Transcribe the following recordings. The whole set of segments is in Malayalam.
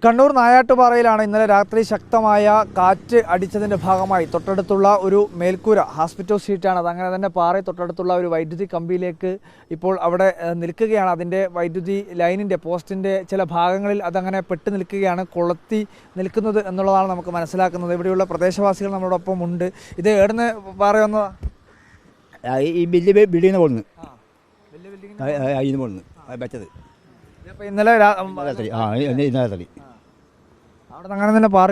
കണ്ണൂർ നായാട്ടുപാറയിലാണ് ഇന്നലെ രാത്രി ശക്തമായ കാറ്റ് അടിച്ചതിൻ്റെ ഭാഗമായി തൊട്ടടുത്തുള്ള ഒരു മേൽക്കൂര ഹോസ്പിറ്റൽ ഷീറ്റാണ്. അതങ്ങനെ തന്നെ പാറ തൊട്ടടുത്തുള്ള ഒരു വൈദ്യുതി കമ്പിയിലേക്ക് ഇപ്പോൾ അവിടെ നിൽക്കുകയാണ്. അതിൻ്റെ വൈദ്യുതി ലൈനിൻ്റെ പോസ്റ്റിൻ്റെ ചില ഭാഗങ്ങളിൽ അതങ്ങനെ പെട്ട് നിൽക്കുകയാണ്, കൊളുത്തി നിൽക്കുന്നത് എന്നുള്ളതാണ് നമുക്ക് മനസ്സിലാക്കുന്നത്. ഇവിടെയുള്ള പ്രദേശവാസികൾ നമ്മളോടൊപ്പം ഉണ്ട്. ഇത് എവിടുന്ന് പാറ വന്നതാ? ഈ വലിയ ബിൽഡിങ്ങിന് പോകുന്നു, വെച്ചത് ഇന്നലെ രാത്രി. അവിടെ അങ്ങനെ തന്നെ പാറ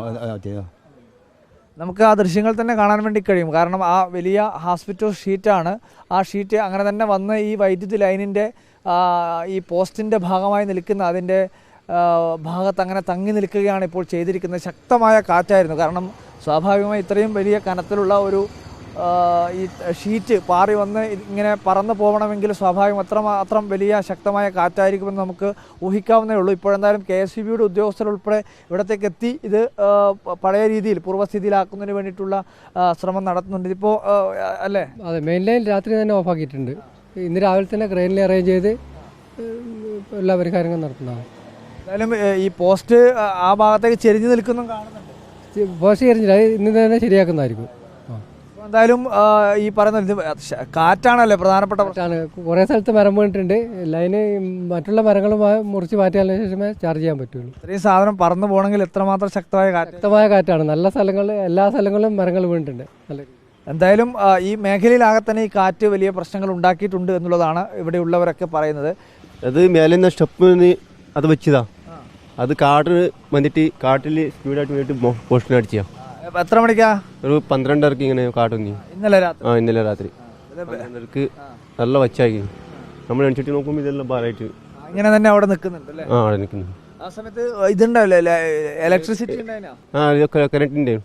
നമുക്ക് ആ ദൃശ്യങ്ങൾ തന്നെ കാണാൻ വേണ്ടി കഴിയും. കാരണം ആ വലിയ ഹോസ്പിറ്റൽ ഷീറ്റാണ്. ആ ഷീറ്റ് അങ്ങനെ തന്നെ വന്ന് ഈ വൈദ്യുതി ലൈനിൻ്റെ ഈ പോസ്റ്റിൻ്റെ ഭാഗമായി നിൽക്കുന്ന അതിൻ്റെ ഭാഗത്ത് അങ്ങനെ തങ്ങി നിൽക്കുകയാണ് ഇപ്പോൾ ചെയ്തിരിക്കുന്നത്. ശക്തമായ കാറ്റായിരുന്നു. കാരണം സ്വാഭാവികമായി ഇത്രയും വലിയ കനത്തിലുള്ള ഒരു ഈ ഷീറ്റ് പാറി വന്ന് ഇങ്ങനെ പറന്നു പോകണമെങ്കിൽ സ്വാഭാവികം അത്രമാത്രം വലിയ ശക്തമായ കാറ്റായിരിക്കുമെന്ന് നമുക്ക് ഊഹിക്കാവുന്നേ ഉള്ളൂ. ഇപ്പോഴെന്തായാലും KSEBയുടെ ഉദ്യോഗസ്ഥരുൾപ്പെടെ ഇവിടത്തേക്ക് എത്തി ഇത് പഴയ രീതിയിൽ പൂർവ്വസ്ഥിതിയിലാക്കുന്നതിന് വേണ്ടിയിട്ടുള്ള ശ്രമം നടത്തുന്നുണ്ട്. ഇതിപ്പോൾ അല്ലേ? അതെ, മെയിൻ ലൈൻ രാത്രി തന്നെ ഓഫാക്കിയിട്ടുണ്ട്. ഇന്ന് രാവിലെ തന്നെ ക്രെയിനിൽ അറേഞ്ച് ചെയ്ത് എല്ലാ പരിഹാരങ്ങളും നടത്തുന്നതാണ്. എന്തായാലും ഈ പോസ്റ്റ് ആ ഭാഗത്തേക്ക് ചെരിഞ്ഞു നിൽക്കുന്നതും കാണുന്നുണ്ട്. പോസ്റ്റ് ചെരിഞ്ഞില്ല, ഇന്ന് തന്നെ ശരിയാക്കുന്നതായിരിക്കും. എന്തായാലും ഈ പറയുന്ന കാറ്റാണല്ലേ പ്രധാനപ്പെട്ട പ്രശ്നമാണ്. കുറേ സ്ഥലത്ത് മരം വീണിട്ടുണ്ട്. ലൈന് മറ്റുള്ള മരങ്ങൾ മുറിച്ച് മാറ്റിയതിനു ശേഷമേ ചാർജ് ചെയ്യാൻ പറ്റുള്ളൂ. ഇത്രയും സാധനം പറന്നു പോകണമെങ്കിൽ എത്രമാത്രം ശക്തമായ കാറ്റാണ്. നല്ല സ്ഥലങ്ങളിൽ എല്ലാ സ്ഥലങ്ങളിലും മരങ്ങൾ വീണിട്ടുണ്ട്. എന്തായാലും ഈ മേഖലയിലാകെ തന്നെ ഈ കാറ്റ് വലിയ പ്രശ്നങ്ങൾ ഉണ്ടാക്കിയിട്ടുണ്ട് എന്നുള്ളതാണ് ഇവിടെയുള്ളവരൊക്കെ പറയുന്നത്. അത് മേലെ സ്റ്റെപ്പ് അത് വെച്ചതാ. അത് കാട്ടിന് വന്നിട്ട് കാട്ടിൽ സ്പീഡായിട്ട് പോയിട്ട് പോസ്റ്റിന് അടിച്ചാ. എത്ര മണിക്കാ? ഒരു 12:30 ഇങ്ങനെ കാട്ടുന്നി. ഇന്നലെ രാത്രി 12:30 നല്ല വച്ചാക്കി. നമ്മൾ എണിച്ചിട്ട് നോക്കുമ്പോൾ ഇതെല്ലാം പാറായിട്ട് ഇങ്ങനെ തന്നെ അവിടെ നിൽക്കുന്നുണ്ട്. അവിടെ നിൽക്കുന്നു. ആ സമയത്ത് ഇതുണ്ടാവില്ലേ, ഇലക്ട്രിസിറ്റി കറണ്ടിന്റെ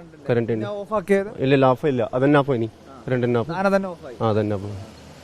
ഇല്ല, ഓഫ് ഇല്ല. അതന്നെ ഓഫ് ഇനി കറണ്ട് അതന്നെ ഓഫ്.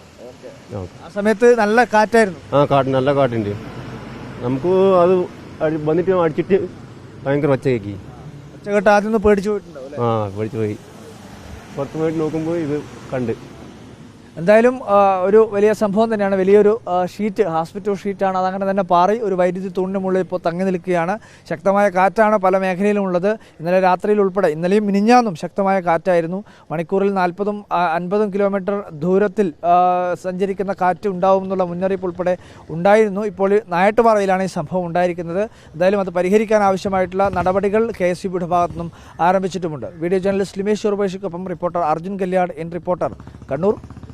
ആ സമയത്ത് നല്ല കാറ്റായിരുന്നു. നല്ല കാറ്റുണ്ട്. നമുക്ക് അത് വന്നിട്ട് അടിച്ചിട്ട് ഭയങ്കര വച്ച കേക്കി. ഒച്ചകെട്ട് ആദ്യം പേടിച്ചു പോയിട്ടുണ്ടാവും. പേടിച്ചു പോയി. പുറത്ത് പോയിട്ട് നോക്കുമ്പോൾ ഇത് കണ്ട്. എന്തായാലും ഒരു വലിയ സംഭവം തന്നെയാണ്. വലിയൊരു ഷീറ്റ്, ഹോസ്പിറ്റൽ ഷീറ്റാണ്. അതങ്ങനെ തന്നെ പാറി ഒരു വൈദ്യുതി തൂണിന് മുകളിൽ ഇപ്പോൾ തങ്ങി നിൽക്കുകയാണ്. ശക്തമായ കാറ്റാണ് പല മേഖലയിലും ഉള്ളത്. ഇന്നലെ രാത്രിയിൽ ഉൾപ്പെടെ ഇന്നലെയും മിനിഞ്ഞാന്നും ശക്തമായ കാറ്റായിരുന്നു. മണിക്കൂറിൽ 40-50 കിലോമീറ്റർ ദൂരത്തിൽ സഞ്ചരിക്കുന്ന കാറ്റ് ഉണ്ടാവും എന്നുള്ള മുന്നറിയിപ്പ് ഉൾപ്പെടെ ഉണ്ടായിരുന്നു. ഇപ്പോൾ നായാട്ടുപാറയിലാണ് ഈ സംഭവം ഉണ്ടായിരിക്കുന്നത്. എന്തായാലും അത് പരിഹരിക്കാൻ ആവശ്യമായിട്ടുള്ള നടപടികൾ KSEBയുടെ ഭാഗത്തുനിന്നും ആരംഭിച്ചിട്ടുമുണ്ട്. വീഡിയോ ജേർണലിസ്റ്റ് ലിമേഷ് ചെറുപേശിക്കൊപ്പം റിപ്പോർട്ടർ അർജുൻ കല്യാട്, റിപ്പോർട്ടർ, കണ്ണൂർ.